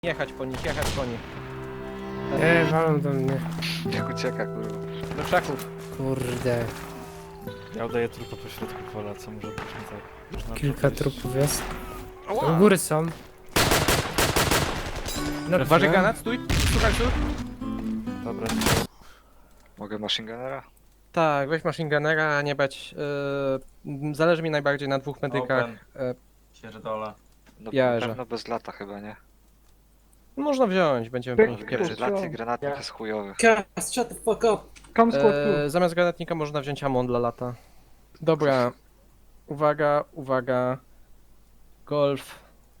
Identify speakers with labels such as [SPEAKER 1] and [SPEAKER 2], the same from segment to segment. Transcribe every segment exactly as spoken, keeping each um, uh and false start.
[SPEAKER 1] Jechać po nich, jechać po nich.
[SPEAKER 2] Nie, walą do mnie.
[SPEAKER 3] Jak ucieka, kurwa.
[SPEAKER 1] Do krzaków.
[SPEAKER 2] Kurde.
[SPEAKER 4] Ja udaję trupa po środku pola, co może być nie tak. Można
[SPEAKER 2] Kilka
[SPEAKER 4] podejść.
[SPEAKER 2] trupów jest. U góry są. No,
[SPEAKER 1] Waży granat, stój, słuchaj, stój.
[SPEAKER 4] Dobra,
[SPEAKER 3] Mogę machine gunnera?
[SPEAKER 1] Tak, weź machine gunnera, a nie bać. Yy, zależy mi najbardziej na dwóch medykach.
[SPEAKER 5] Open.
[SPEAKER 1] Yy,
[SPEAKER 5] Pierdolę.
[SPEAKER 3] No
[SPEAKER 1] Ja,
[SPEAKER 3] na
[SPEAKER 1] że-
[SPEAKER 3] pewno bez lata chyba, nie?
[SPEAKER 1] można wziąć, będziemy po nich
[SPEAKER 3] Wiesz,
[SPEAKER 1] pieprzyć.
[SPEAKER 3] lat i granatnik jest chujowy.
[SPEAKER 6] Cast, shut the fuck up. Come squad two.
[SPEAKER 1] Yy, zamiast granatnika można wziąć amon dla lata. Dobra. Uwaga, uwaga. Golf.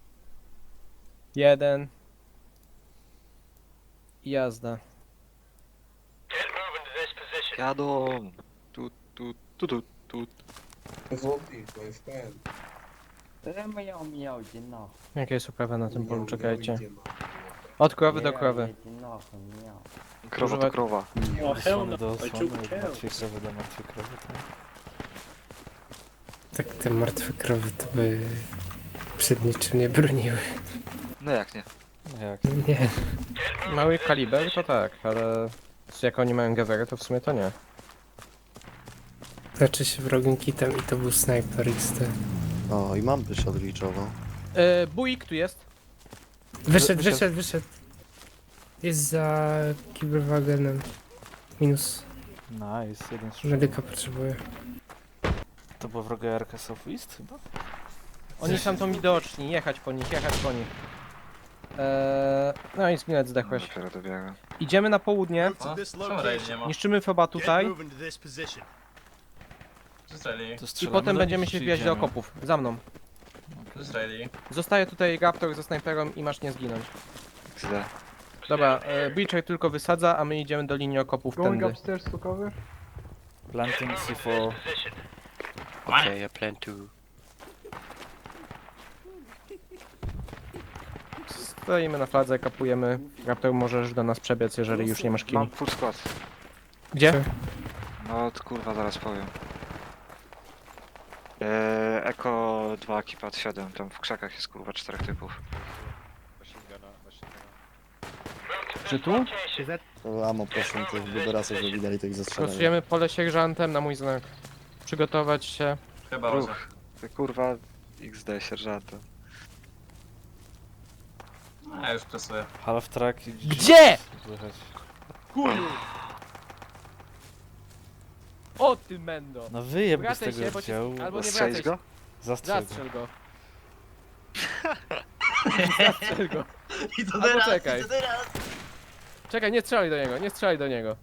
[SPEAKER 1] Jeden. I jazda.
[SPEAKER 3] Jadą! Tu, tu, tu, tu, tu.
[SPEAKER 7] Miał, miał, idzie na.
[SPEAKER 1] Jakie jest uprawa na tym polu, czekajcie. Od krowy do krowy.
[SPEAKER 7] Miał.
[SPEAKER 3] Krowa
[SPEAKER 1] Używa-
[SPEAKER 3] to krowa.
[SPEAKER 6] Oh hell no,
[SPEAKER 4] osłony do
[SPEAKER 6] I
[SPEAKER 4] osłony,
[SPEAKER 6] took
[SPEAKER 4] od
[SPEAKER 6] cows.
[SPEAKER 4] martwej krowy do martwej krowy, tak?
[SPEAKER 2] Tak te martwe krowy to by przed niczym nie broniły.
[SPEAKER 3] No jak nie?
[SPEAKER 4] No jak?
[SPEAKER 2] Nie.
[SPEAKER 1] Mały kaliber to tak, ale jak oni mają gawery, to w sumie to nie.
[SPEAKER 2] Leczy się wrogim kitem i to był snajper X T.
[SPEAKER 8] O, i mam byś odliczował.
[SPEAKER 1] Yy, Buik tu jest.
[SPEAKER 2] Wyszedł,
[SPEAKER 4] Wyszedł.
[SPEAKER 2] wyszedł, wyszedł. Jest za kiberwagenem. Minus.
[SPEAKER 4] Nice, jeden strzał.
[SPEAKER 2] Medyka potrzebuje.
[SPEAKER 4] To była wroga Arka Southeast chyba?
[SPEAKER 1] Oni są tam widoczni, jechać po nich, jechać po nich. Eee, no i zginąć zdechłeś.
[SPEAKER 3] Dopiero dobiegłem.
[SPEAKER 1] Idziemy na południe,
[SPEAKER 5] O, czemu raid nie ma?
[SPEAKER 1] niszczymy foba tutaj
[SPEAKER 5] Zreli.
[SPEAKER 4] To
[SPEAKER 1] i
[SPEAKER 4] strzelamy
[SPEAKER 1] potem
[SPEAKER 4] do
[SPEAKER 1] będziemy
[SPEAKER 4] nich,
[SPEAKER 1] się
[SPEAKER 4] czy
[SPEAKER 1] wbijać do
[SPEAKER 4] idziemy?
[SPEAKER 1] okopów. Za mną.
[SPEAKER 5] Zreli.
[SPEAKER 1] Zostaje tutaj Raptor ze snajperą i masz nie zginąć.
[SPEAKER 3] Źle.
[SPEAKER 1] Dobra, e, Breacher tylko wysadza, a my idziemy do linii okopów tędy.
[SPEAKER 4] Planting C cztery.
[SPEAKER 8] Okej, ja plan to.
[SPEAKER 1] Stoimy na fladze, kapujemy. Raptor możesz do nas przebiec, jeżeli już nie masz kim.
[SPEAKER 3] Mam full skład.
[SPEAKER 1] Gdzie?
[SPEAKER 3] No to kurwa, zaraz powiem. Eee, Eko dwa, Kipad siedem, tam w krzakach jest kurwa czterech typów.
[SPEAKER 1] Czy tu?
[SPEAKER 8] To amo proszę tych buberasów, żeby widali tych zestrzelanych.
[SPEAKER 1] Pracujemy pole sierżantem na mój znak. Przygotować się.
[SPEAKER 5] Chyba może.
[SPEAKER 3] Ruch. Ty kurwa X D sierżantem.
[SPEAKER 5] A ja już presuję.
[SPEAKER 4] Half track i
[SPEAKER 1] Gdzie?
[SPEAKER 4] Słychać.
[SPEAKER 1] O ty mendo!
[SPEAKER 4] No wyjeb go z
[SPEAKER 1] Wracaj
[SPEAKER 4] tego
[SPEAKER 1] się, bo cię-
[SPEAKER 4] oddziału.
[SPEAKER 1] albo nie
[SPEAKER 3] Strzelić
[SPEAKER 1] wracaj
[SPEAKER 3] go?
[SPEAKER 4] Zastrzel go.
[SPEAKER 1] Zastrzel go. Zastrzel go.
[SPEAKER 5] I to
[SPEAKER 1] Albo czekaj. Czekaj, nie strzelaj do niego, nie strzelaj do niego.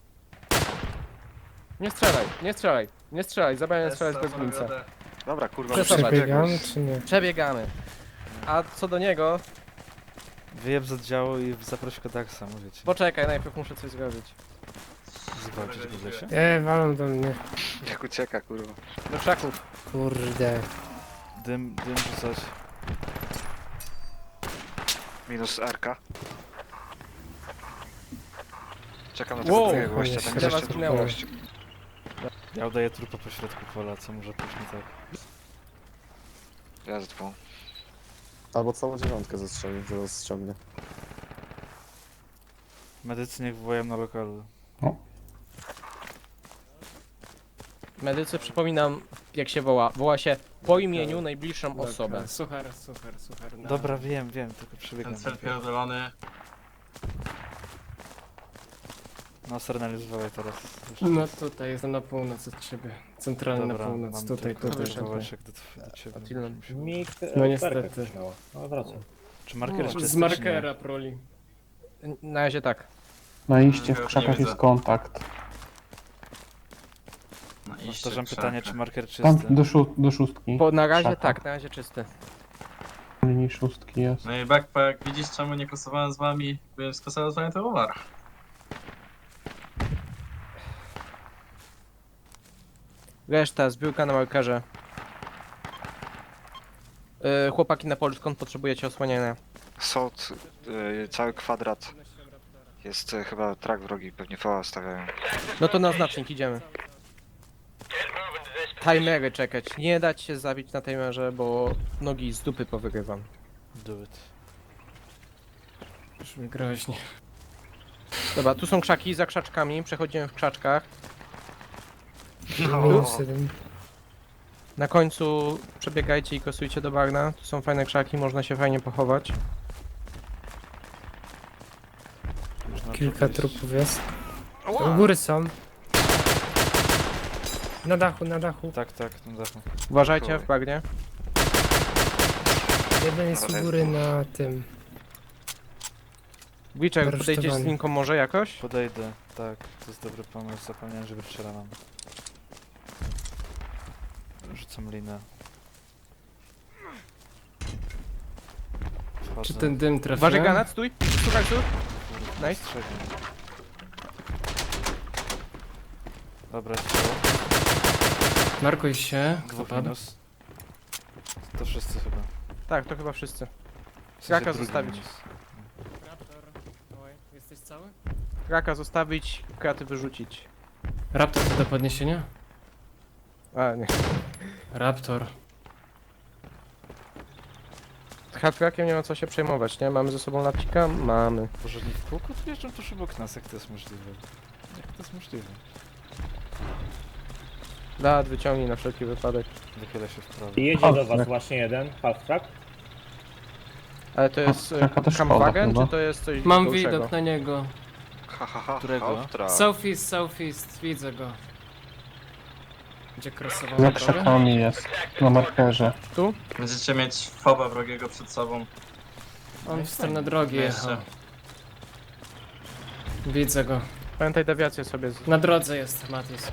[SPEAKER 1] Nie strzelaj, nie strzelaj, nie strzelaj, zabrałem strzelać bez glinca.
[SPEAKER 3] Dobra, kurwa,
[SPEAKER 1] Przesuwać.
[SPEAKER 2] Przebiegamy czy nie?
[SPEAKER 1] Przebiegamy. A co do niego,
[SPEAKER 4] Wyjeb z oddziału i zaproś go tak samo, wiecie.
[SPEAKER 1] poczekaj, najpierw muszę coś zrobić.
[SPEAKER 4] Zwalczyć go w lesie?
[SPEAKER 2] Nie, walą do mnie.
[SPEAKER 3] Jak ucieka, kurwa.
[SPEAKER 1] Do krzaków.
[SPEAKER 2] Kurde.
[SPEAKER 4] Dym, dym rzucać.
[SPEAKER 3] Minus R K. Czekam na
[SPEAKER 1] Wow.
[SPEAKER 3] tego drugiego gościa, tam jest
[SPEAKER 1] Chyba
[SPEAKER 3] jeszcze drugi
[SPEAKER 1] zginęło.
[SPEAKER 3] gość.
[SPEAKER 4] Ja udaję trupa po środku pola, co może być nie tak.
[SPEAKER 3] Ja z dwóch.
[SPEAKER 8] Albo całą dziewiątkę zestrzeli, zaraz ściągnie.
[SPEAKER 4] Medycy niech wołają na lokalu.
[SPEAKER 1] Medycy, przypominam jak się woła. Woła się po imieniu najbliższą osobę.
[SPEAKER 6] Suchar, suchar, suchar. na-
[SPEAKER 4] Dobra, wiem, wiem, tylko przebiegam.
[SPEAKER 5] Ten cel pierdolony.
[SPEAKER 4] No, Sernelius wołaj teraz.
[SPEAKER 6] No tutaj, jestem na północ od ciebie. Centralnie
[SPEAKER 4] Dobra,
[SPEAKER 6] na północ,
[SPEAKER 4] mam
[SPEAKER 6] tutaj,
[SPEAKER 4] tylko
[SPEAKER 6] tutaj,
[SPEAKER 4] tylko
[SPEAKER 6] tutaj.
[SPEAKER 4] Wołeczek do, do ciebie.
[SPEAKER 1] Attila,
[SPEAKER 6] No niestety.
[SPEAKER 4] Czy marker jeszcze
[SPEAKER 6] Z
[SPEAKER 4] jest,
[SPEAKER 6] markera proli.
[SPEAKER 1] Na razie tak.
[SPEAKER 5] Na iście w krzakach jest
[SPEAKER 9] kontakt.
[SPEAKER 5] Na iście
[SPEAKER 4] Powtarzam
[SPEAKER 5] w
[SPEAKER 4] pytanie,
[SPEAKER 5] krzakach.
[SPEAKER 4] czy marker czysty?
[SPEAKER 9] Tam do, szó do szóstki.
[SPEAKER 1] Po, na razie
[SPEAKER 9] Szata.
[SPEAKER 1] tak, na razie czysty.
[SPEAKER 9] Linii szóstki jest.
[SPEAKER 5] No i backpack, widzisz czemu nie kosowałem z wami? Byłem skosował z wami to uwar.
[SPEAKER 1] Reszta, zbiórka na markerze. Yy, chłopaki na polu, skąd potrzebujecie osłaniania?
[SPEAKER 3] Sołd, y, cały kwadrat. Jest y, chyba trak wrogi, pewnie V A stawiają.
[SPEAKER 1] No to na znacznik idziemy. Timery czekać. Nie dać się zabić na timerze, bo nogi z dupy powygrywam.
[SPEAKER 4] Do it.
[SPEAKER 6] Brzmi groźnie.
[SPEAKER 1] Dobra, tu są krzaki, za krzaczkami, przechodzimy w krzaczkach.
[SPEAKER 3] No.
[SPEAKER 2] Minus jeden.
[SPEAKER 1] Na końcu przebiegajcie i kosujcie do bagna. Tu są fajne krzaki, można się fajnie pochować.
[SPEAKER 4] Można
[SPEAKER 2] Kilka
[SPEAKER 4] tu
[SPEAKER 2] trupów jest.
[SPEAKER 3] Ała!
[SPEAKER 2] U góry są. Na dachu, na dachu.
[SPEAKER 4] Tak, tak, na dachu.
[SPEAKER 1] Uważajcie w bagnie.
[SPEAKER 2] Jeden jest u góry na tym.
[SPEAKER 1] Witcher,
[SPEAKER 2] Aresztowany.
[SPEAKER 1] podejdziesz z linką może jakoś?
[SPEAKER 4] Podejdę, tak, to jest dobry pomysł, zapomniałem, że wystrzelam. Rzucam linę. Wchodzę.
[SPEAKER 6] Czy ten dym trafił?
[SPEAKER 1] Uważaj granat, stój! Słuchaj, tu!
[SPEAKER 4] Kurde,
[SPEAKER 1] Nice.
[SPEAKER 4] strzelił. Dobra, strzał.
[SPEAKER 6] Markuj się. Kto
[SPEAKER 4] Dwóch
[SPEAKER 6] padł?
[SPEAKER 4] minus. To wszyscy chyba.
[SPEAKER 1] Tak, to chyba wszyscy.
[SPEAKER 4] W sensie
[SPEAKER 1] Kraka
[SPEAKER 4] drugi
[SPEAKER 1] zostawić.
[SPEAKER 4] minus.
[SPEAKER 6] Raptor. Oj, jesteś cały?
[SPEAKER 1] Kraka zostawić, kraty wyrzucić.
[SPEAKER 6] Raptor to do podniesienia?
[SPEAKER 1] A, nie.
[SPEAKER 6] Raptor.
[SPEAKER 1] Z hardcrackiem nie ma co się przejmować, nie? Mamy ze sobą lapcika? Mamy.
[SPEAKER 4] Boże, nie w kółku tu jeżdżą tuż obok nas, jak to jest możliwe? Jak to jest możliwe?
[SPEAKER 1] Dat, wyciągnij na wszelki wypadek.
[SPEAKER 4] Wychylę się w prawo.
[SPEAKER 10] Jedzie
[SPEAKER 9] Half
[SPEAKER 10] do was
[SPEAKER 9] track.
[SPEAKER 10] właśnie jeden, half track.
[SPEAKER 1] Ale to jest e,
[SPEAKER 9] Taka też szkoda
[SPEAKER 1] Campwagen,
[SPEAKER 9] chyba.
[SPEAKER 1] czy to jest coś
[SPEAKER 6] Mam
[SPEAKER 1] większego?
[SPEAKER 6] widok na niego.
[SPEAKER 3] Ha, ha, ha,
[SPEAKER 4] Którego?
[SPEAKER 3] Half-track.
[SPEAKER 6] Southeast, southeast, widzę go. Gdzie crossował
[SPEAKER 9] Za
[SPEAKER 6] na drogę?
[SPEAKER 9] krzakami jest. Na markerze.
[SPEAKER 1] Tu?
[SPEAKER 5] Będziecie mieć foba wrogiego przed sobą.
[SPEAKER 6] On w stronę drogi jechał.
[SPEAKER 5] Jeszcze.
[SPEAKER 6] Widzę go.
[SPEAKER 1] Pamiętaj dewiację sobie. Z...
[SPEAKER 6] Na drodze jest Matis.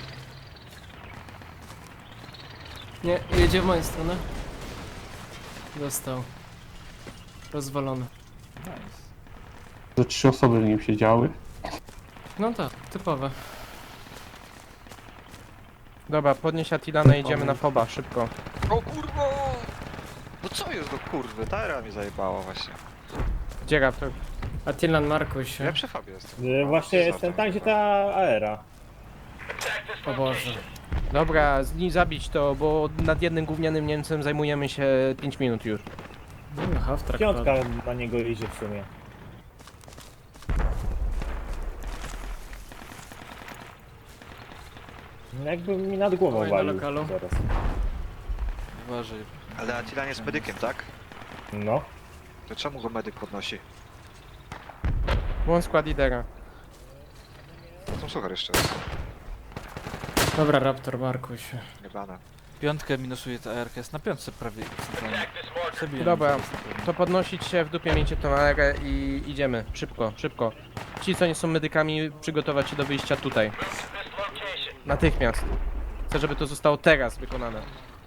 [SPEAKER 6] Nie, jedzie w moją stronę. Dostał. Rozwalony.
[SPEAKER 4] Nice.
[SPEAKER 9] Ze trzy osoby w nim siedziały.
[SPEAKER 6] No tak, typowe.
[SPEAKER 1] Dobra, podnieś Attilana i idziemy na foba, szybko.
[SPEAKER 3] O kurwa! No co jest do kurwy? Tara mi zajebała właśnie.
[SPEAKER 1] Gdzie Raptor?
[SPEAKER 6] Attilan, markuj się.
[SPEAKER 3] Ja przy fabie jestem.
[SPEAKER 10] Y, Właśnie jestem tam, gdzie ta aera.
[SPEAKER 6] O Boże.
[SPEAKER 1] Dobra, z nim zabić to, bo nad jednym gównianym Niemcem zajmujemy się pięć minut już.
[SPEAKER 6] No, half track
[SPEAKER 10] Piątka
[SPEAKER 6] padł.
[SPEAKER 10] na niego idzie w sumie. Jakby mi nad głową
[SPEAKER 6] Oj, na
[SPEAKER 10] walił
[SPEAKER 6] lokalu.
[SPEAKER 10] teraz.
[SPEAKER 4] Uważaj.
[SPEAKER 3] Ale Attila jest medykiem, tak?
[SPEAKER 10] No.
[SPEAKER 3] To czemu go medyk podnosi?
[SPEAKER 1] Błąd skład lidera.
[SPEAKER 3] Tam suchar jeszcze jest.
[SPEAKER 6] Dobra, Raptor, markuj się.
[SPEAKER 3] Niebane.
[SPEAKER 4] Piątkę minusuje ta A R K, jest na piątce prawie centralnie. Zabiłem
[SPEAKER 1] Dobra,
[SPEAKER 4] zaraz na pewno.
[SPEAKER 1] To podnosić się w dupie, miejcie tą aerę i idziemy. Szybko, szybko. Ci, co nie są medykami, przygotować się do wyjścia tutaj. Natychmiast. Chcę, żeby to zostało teraz wykonane.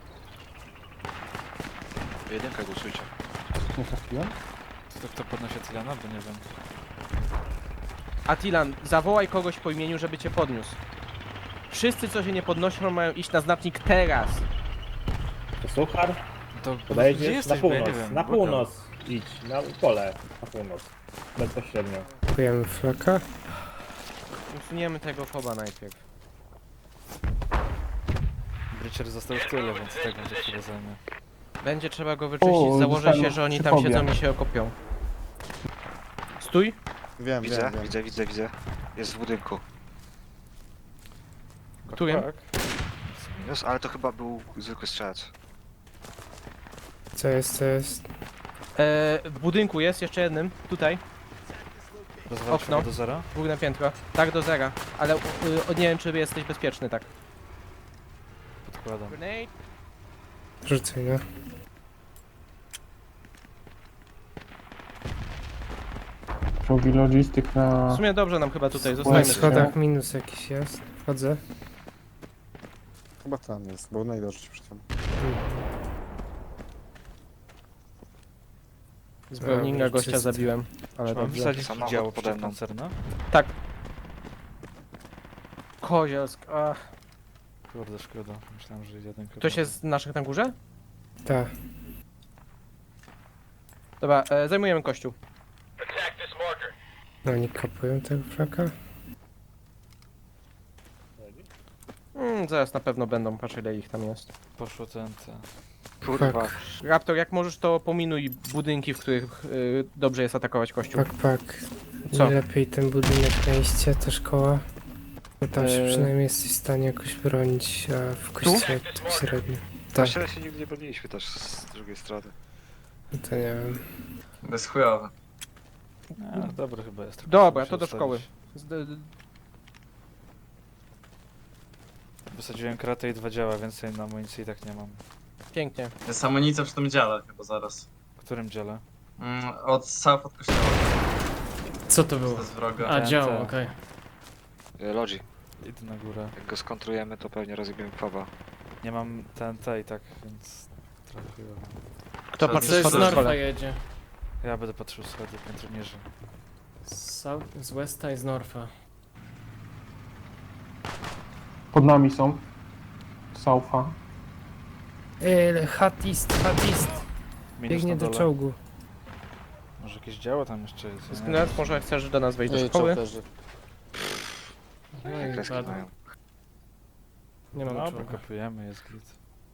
[SPEAKER 3] Jedynkę głosujcie.
[SPEAKER 9] Nie trafiłem?
[SPEAKER 4] To kto podnosi Tylana? Bo nie wiem.
[SPEAKER 1] Attilan, zawołaj kogoś po imieniu, żeby cię podniósł. Wszyscy, co się nie podnoszą, mają iść na znacznik teraz.
[SPEAKER 10] To suchar?
[SPEAKER 4] To gdzie
[SPEAKER 10] Podejdziesz na
[SPEAKER 4] jesteś? Bo ja
[SPEAKER 10] północ.
[SPEAKER 4] nie wiem.
[SPEAKER 10] Na
[SPEAKER 4] Błagam.
[SPEAKER 10] północ idź. Na pole. Na północ. Bezpośrednio.
[SPEAKER 2] Kupujemy flaka.
[SPEAKER 1] Usuniemy tego foba najpierw.
[SPEAKER 4] Breacher został w tyle, więc tak będzie chwilę zajmie.
[SPEAKER 1] Będzie trzeba go wyczyścić,
[SPEAKER 9] O,
[SPEAKER 1] założę
[SPEAKER 9] dostałem
[SPEAKER 1] się, że oni
[SPEAKER 9] przy
[SPEAKER 1] tam
[SPEAKER 9] fobie.
[SPEAKER 1] siedzą i się okopią. Stój.
[SPEAKER 8] Wiem,
[SPEAKER 3] Widzę,
[SPEAKER 8] wiem, wiem.
[SPEAKER 3] widzę, widzę, widzę. Jest w budynku.
[SPEAKER 1] Którym?
[SPEAKER 3] Jest, ale to chyba był zwykły strzelec.
[SPEAKER 2] Co jest, co jest?
[SPEAKER 1] E, w budynku jest, jeszcze jednym. Tutaj.
[SPEAKER 4] Rozwal
[SPEAKER 1] Okno.
[SPEAKER 4] się do zera?
[SPEAKER 1] Dwóch na piętro. Tak, do zera. Ale y, nie wiem, czy jesteś bezpieczny, tak.
[SPEAKER 4] Podkładam.
[SPEAKER 1] Grenade.
[SPEAKER 2] Rzucaj, no.
[SPEAKER 9] Robi logistyk na...
[SPEAKER 1] W sumie dobrze nam chyba tutaj,
[SPEAKER 2] Na
[SPEAKER 1] zostajmy
[SPEAKER 9] Fajnie.
[SPEAKER 1] tutaj.
[SPEAKER 2] schodach minus jakiś jest. Wchodzę.
[SPEAKER 8] Chyba tam jest, bo najdroższy przy tym.
[SPEAKER 1] Z Browninga
[SPEAKER 2] Dobra,
[SPEAKER 1] gościa
[SPEAKER 2] czysto.
[SPEAKER 1] zabiłem. Ale
[SPEAKER 4] Czy mam
[SPEAKER 1] dobrze.
[SPEAKER 4] wsadzić
[SPEAKER 3] Samochód
[SPEAKER 4] działo
[SPEAKER 3] pode mną.
[SPEAKER 4] przeciwpancerne?
[SPEAKER 1] Tak. Kozielsk. Ach.
[SPEAKER 4] Kurde, szkoda. Myślałem, że jedynkę...
[SPEAKER 1] Ktoś jest z naszych na górze?
[SPEAKER 2] Tak.
[SPEAKER 1] Dobra, e, zajmujemy kościół.
[SPEAKER 2] No oni kapują tego flaka.
[SPEAKER 1] Mm, zaraz na pewno będą, patrz ile ich tam jest.
[SPEAKER 4] Poszło T N T.
[SPEAKER 3] Kurwa.
[SPEAKER 1] Raptor, jak możesz, to pominuj budynki, w których y, dobrze jest atakować kościół.
[SPEAKER 2] Pak, pak.
[SPEAKER 1] Co?
[SPEAKER 2] Lepiej ten budynek na iście, ta szkoła. Bo tam się
[SPEAKER 1] Eee.
[SPEAKER 2] przynajmniej jesteś w stanie jakoś bronić, a w kościele tak średnio. Tak,
[SPEAKER 3] Właściwie się nigdy nie broniliśmy też z drugiej strony.
[SPEAKER 2] no to nie wiem.
[SPEAKER 5] Bez chujowe.
[SPEAKER 4] Nie, no dobry chyba jest.
[SPEAKER 1] Dobra,
[SPEAKER 4] Muszę
[SPEAKER 1] to do
[SPEAKER 4] ustawić.
[SPEAKER 1] szkoły. Z- d-
[SPEAKER 4] Wysadziłem kratę i dwa działa, więcej na amunicji i tak nie mam.
[SPEAKER 1] Pięknie.
[SPEAKER 5] Jest amunicja przy tym dziale chyba zaraz.
[SPEAKER 4] W którym dziele?
[SPEAKER 5] Mm, od south od kościoła.
[SPEAKER 6] Co to
[SPEAKER 5] To
[SPEAKER 6] było?
[SPEAKER 5] jest wroga.
[SPEAKER 6] A,
[SPEAKER 4] T N T.
[SPEAKER 6] działo, okej.
[SPEAKER 3] Y, Lodzi,
[SPEAKER 4] Idę na górę.
[SPEAKER 3] jak go skontrujemy, to pewnie rozjebiemy foba.
[SPEAKER 4] Nie mam T N T i tak, więc trochę chujowo.
[SPEAKER 1] Kto
[SPEAKER 5] Co,
[SPEAKER 1] patrzy
[SPEAKER 5] coś
[SPEAKER 6] Coś
[SPEAKER 1] schody
[SPEAKER 6] z
[SPEAKER 1] w
[SPEAKER 6] Norfa
[SPEAKER 1] szkole?
[SPEAKER 6] jedzie.
[SPEAKER 4] Ja będę patrzył schody, piętro niżej.
[SPEAKER 6] Z, South, z Westa i z Norfa.
[SPEAKER 9] Pod nami są. Saufa.
[SPEAKER 2] Ej, hat east, hat east.
[SPEAKER 4] Minus
[SPEAKER 2] Biegnie
[SPEAKER 4] na
[SPEAKER 2] do
[SPEAKER 4] dole.
[SPEAKER 2] czołgu.
[SPEAKER 4] Może jakieś działo tam jeszcze jest? ja nie
[SPEAKER 1] Sknet,
[SPEAKER 4] wiem.
[SPEAKER 1] może chcesz do nas wejść do
[SPEAKER 8] Ej,
[SPEAKER 1] szkoły?
[SPEAKER 8] czołgerzy.
[SPEAKER 6] No
[SPEAKER 3] Jak
[SPEAKER 6] i
[SPEAKER 3] kreski
[SPEAKER 6] padł.
[SPEAKER 3] mają.
[SPEAKER 6] Nie mam
[SPEAKER 4] Dobra,
[SPEAKER 6] czołga.
[SPEAKER 4] kopujemy, jest git.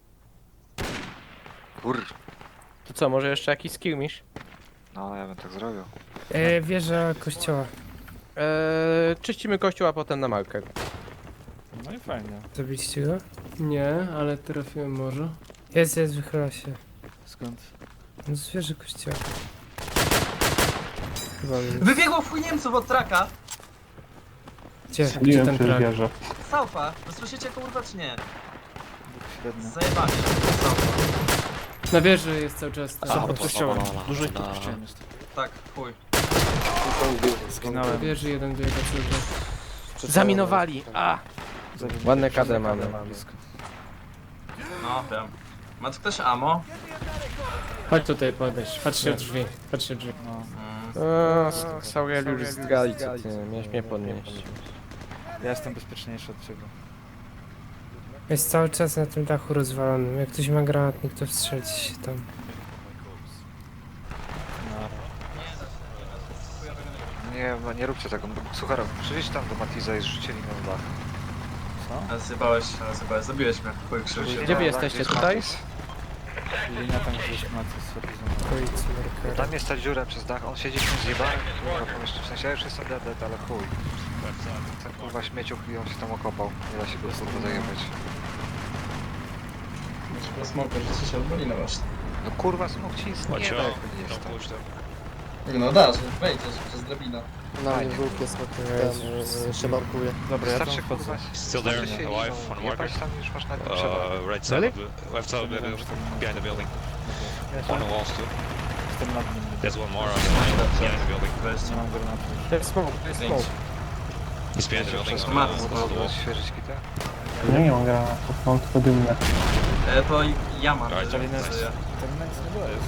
[SPEAKER 3] Kur...
[SPEAKER 1] To co, może jeszcze jakiś skirmish?
[SPEAKER 3] No, ja bym tak zrobił.
[SPEAKER 2] E, wieża kościoła.
[SPEAKER 1] Eee, czyścimy kościół, a potem na marker.
[SPEAKER 4] No i fajnie.
[SPEAKER 2] Zabiliście go?
[SPEAKER 6] Nie, ale trafiłem może.
[SPEAKER 2] Jest, jest, wychyla się.
[SPEAKER 4] Skąd?
[SPEAKER 2] No z wieży kościoła. Chyba minus.
[SPEAKER 5] Wybiegło w chuj Niemców od traka!
[SPEAKER 2] Gdzie? Gdzie
[SPEAKER 9] Strzeliłem
[SPEAKER 2] ten
[SPEAKER 9] przez
[SPEAKER 2] trak?
[SPEAKER 9] wieżę.
[SPEAKER 5] Saufa! Wy słyszycie kurwa czy nie?
[SPEAKER 4] Dwóch średnio.
[SPEAKER 5] Zajebanie. Saufa.
[SPEAKER 6] Na wieży jest cały czas ten.
[SPEAKER 4] Od kościoła. Dużo ich tu puściłem jest.
[SPEAKER 5] Tak, chuj.
[SPEAKER 6] Na
[SPEAKER 4] Zginąłem.
[SPEAKER 6] wieży jeden biega cały czas.
[SPEAKER 1] Zaminowali! A!
[SPEAKER 4] Zabiłem.
[SPEAKER 1] Ładne K D mamy.
[SPEAKER 4] Blisko.
[SPEAKER 5] No, wiem. Ma tu ktoś ammo?
[SPEAKER 6] Chodź tutaj podejść, patrzcie w drzwi, patrzcie w drzwi.
[SPEAKER 4] No.
[SPEAKER 5] Mm.
[SPEAKER 1] Eee, Sauriel zdrali, co ty, miałeś mnie podnieść.
[SPEAKER 4] Ja jestem bezpieczniejszy od ciebie.
[SPEAKER 2] Jest cały czas na tym dachu rozwalonym. Jak ktoś ma granatnik, to wstrzelić się tam.
[SPEAKER 4] No.
[SPEAKER 3] Nie, no nie róbcie tego. Suchara, przyjdź tam do Matiza i zrzucili na dach.
[SPEAKER 4] Co?
[SPEAKER 5] Ale zjebałeś, ale zjebałeś. Zabiłeś mnie. Chuj, krzywdzie.
[SPEAKER 1] Gdzie wy
[SPEAKER 3] No,
[SPEAKER 1] jesteście,
[SPEAKER 3] jest
[SPEAKER 1] tutaj?
[SPEAKER 3] Matiz.
[SPEAKER 4] Linia tam gdzieś ma coś
[SPEAKER 2] W okolicy markera.
[SPEAKER 3] Tam jest ta dziura przez dach, on siedzi w tym zjebanym kurwa pomieszczeniu. W sensie ja już jestem dead, dead, ale chuj. Ten kurwa śmieciuch i on się tam okopał. Nie da się go kurwa zajebać.
[SPEAKER 5] Smoker, że się odboli na właśnie.
[SPEAKER 3] No kurwa smok ci jest nie da, jak nie jest tam.
[SPEAKER 5] No da, że wejdziesz przez drabinę.
[SPEAKER 8] Na mnie
[SPEAKER 3] Fajnie.
[SPEAKER 8] był piesek, ten się markuje.
[SPEAKER 4] Dobra, ja tam
[SPEAKER 3] Wystarczy
[SPEAKER 4] wchodzę.
[SPEAKER 3] kurwa
[SPEAKER 11] Still there,
[SPEAKER 3] wystarczy się
[SPEAKER 11] alive,
[SPEAKER 3] liną,
[SPEAKER 11] on
[SPEAKER 3] nie
[SPEAKER 11] marker?
[SPEAKER 3] patrz tam już masz na tym przewagę.
[SPEAKER 11] Uh, right side of the, left side of the, behind the building. On the walls too.
[SPEAKER 4] Jestem nad nim.
[SPEAKER 11] There's one more on the behind the building.
[SPEAKER 4] Nie mam granatu.
[SPEAKER 1] To jest smoke, to jest smoke.
[SPEAKER 11] He's behind the building.
[SPEAKER 3] Przez
[SPEAKER 11] on
[SPEAKER 3] mat
[SPEAKER 11] the
[SPEAKER 3] można
[SPEAKER 11] wall.
[SPEAKER 3] było świeżyć kitę.
[SPEAKER 9] Ja nie mam granatów, mam tylko dymne.
[SPEAKER 5] E, to i- ja mam.
[SPEAKER 11] Daj,
[SPEAKER 5] że-
[SPEAKER 4] Czyli nic,
[SPEAKER 5] że ja-
[SPEAKER 4] ten nic nie daje.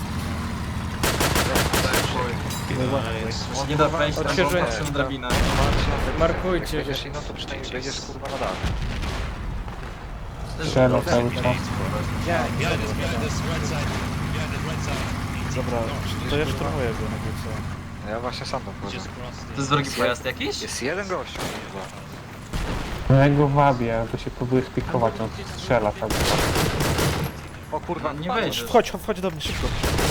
[SPEAKER 5] Tak, chuj.
[SPEAKER 11] Nice.
[SPEAKER 5] Nie da wejść tam, bo
[SPEAKER 1] Odświeżyłem.
[SPEAKER 5] patrzę na drabinę.
[SPEAKER 6] Markujcie.
[SPEAKER 3] Jak będziesz inną, to przynajmniej wejdziesz kurwa na dach.
[SPEAKER 9] Strzela cały czas.
[SPEAKER 11] Behind us, behind us, right side. Behind us, right side.
[SPEAKER 4] Dobra, to ja szturmuję go, jakby co.
[SPEAKER 3] Ja właśnie sam tam wchodzę.
[SPEAKER 11] Just crossed
[SPEAKER 5] To jest wrogi pojazd jakiś?
[SPEAKER 3] Jest jeden gościu kurwa.
[SPEAKER 9] No ja go wabię, bo się próbuję spikować, on strzela tak.
[SPEAKER 3] O kurwa,
[SPEAKER 5] Nie wejdziesz.
[SPEAKER 4] Wchodź, wchodź do mnie szybko.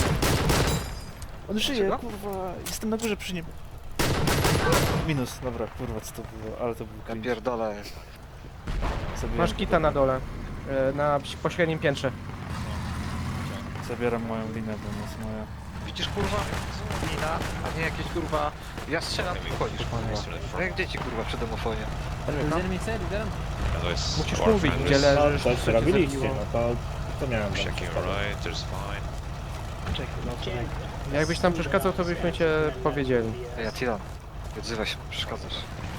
[SPEAKER 4] On żyje, kurwa. Jestem na górze przy nim. Minus, dobra, kurwa, co to było, ale to był
[SPEAKER 3] Ja
[SPEAKER 4] cringe.
[SPEAKER 3] pierdolę.
[SPEAKER 4] Zabiłem
[SPEAKER 1] Masz
[SPEAKER 4] go,
[SPEAKER 1] kita na
[SPEAKER 4] dobra.
[SPEAKER 1] dole. E, na pośrednim piętrze.
[SPEAKER 4] Zabieram moją linę, bo nie jest moja.
[SPEAKER 3] Widzisz kurwa? Lina, a nie jakieś kurwa... Ja strzelam i wchodzisz kurwa. No jak dzieci kurwa przy domofonie.
[SPEAKER 11] Otherwise,
[SPEAKER 1] Musisz
[SPEAKER 11] our
[SPEAKER 1] mówić,
[SPEAKER 11] friend
[SPEAKER 1] gdzie
[SPEAKER 11] is
[SPEAKER 10] No,
[SPEAKER 1] leżysz,
[SPEAKER 10] coś
[SPEAKER 1] co cię
[SPEAKER 10] robiliście,
[SPEAKER 1] zabiło.
[SPEAKER 10] no to, to miałem wam
[SPEAKER 11] checking
[SPEAKER 10] przeszkadzać.
[SPEAKER 11] right, there's fine.
[SPEAKER 1] Jakbyś tam przeszkadzał, to byśmy cię powiedzieli.
[SPEAKER 3] Ej, Atilan, nie odzywaj się, przeszkadzasz.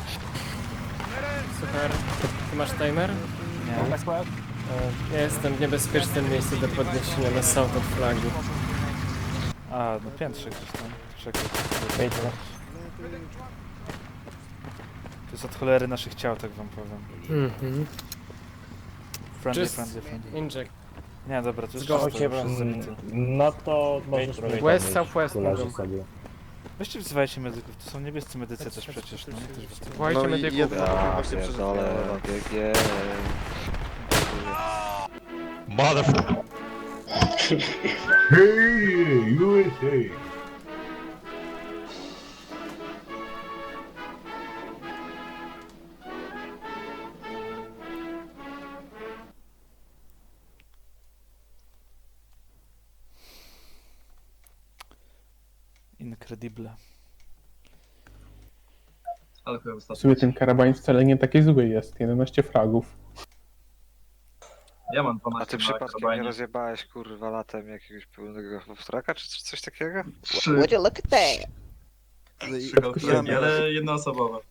[SPEAKER 6] Super. Ty masz timer?
[SPEAKER 4] Nie.
[SPEAKER 6] E, Ja jestem w niebezpiecznym miejscu do podniesienia na south od flagi.
[SPEAKER 4] A, no piętrze gdzieś tam. Czekaj. To jest od cholery naszych ciał, tak wam powiem.
[SPEAKER 2] Mhm.
[SPEAKER 4] Friendly,
[SPEAKER 6] Just-
[SPEAKER 4] friendly, friendly.
[SPEAKER 6] Inject.
[SPEAKER 4] Nie, dobra, to jest
[SPEAKER 6] Zgoła
[SPEAKER 4] wszystko,
[SPEAKER 6] się,
[SPEAKER 4] już jest zabity.
[SPEAKER 10] No to możesz mnie
[SPEAKER 1] West,
[SPEAKER 10] podnieść,
[SPEAKER 1] southwest
[SPEAKER 10] tu leży
[SPEAKER 1] mogą.
[SPEAKER 10] sobie.
[SPEAKER 4] Weźcie wzywajcie medyków, to są niebiescy medycy też przecież, no nie? Też was tu-
[SPEAKER 1] Słuchajcie
[SPEAKER 8] No i
[SPEAKER 1] medyków.
[SPEAKER 8] jeden
[SPEAKER 3] Ja
[SPEAKER 8] właśnie
[SPEAKER 3] pierdolę,
[SPEAKER 8] przeżył.
[SPEAKER 3] G G.
[SPEAKER 11] Motherfucker.
[SPEAKER 10] Hey, U S A!
[SPEAKER 4] Incredible.
[SPEAKER 5] Ale chyba
[SPEAKER 9] W
[SPEAKER 5] wystarczy.
[SPEAKER 9] sumie ten karabin wcale nie taki zły jest, jedenaście fragów.
[SPEAKER 5] Ja mam
[SPEAKER 3] A
[SPEAKER 5] dwanaście
[SPEAKER 3] ty
[SPEAKER 5] na
[SPEAKER 3] przypadkiem nie
[SPEAKER 5] karabanie.
[SPEAKER 3] rozjebałeś kurwa latem jakiegoś pełnego wstraka czy coś takiego?
[SPEAKER 5] Trzy,
[SPEAKER 8] Would you look at that?
[SPEAKER 5] trzy golfy, ale jednoosobowe.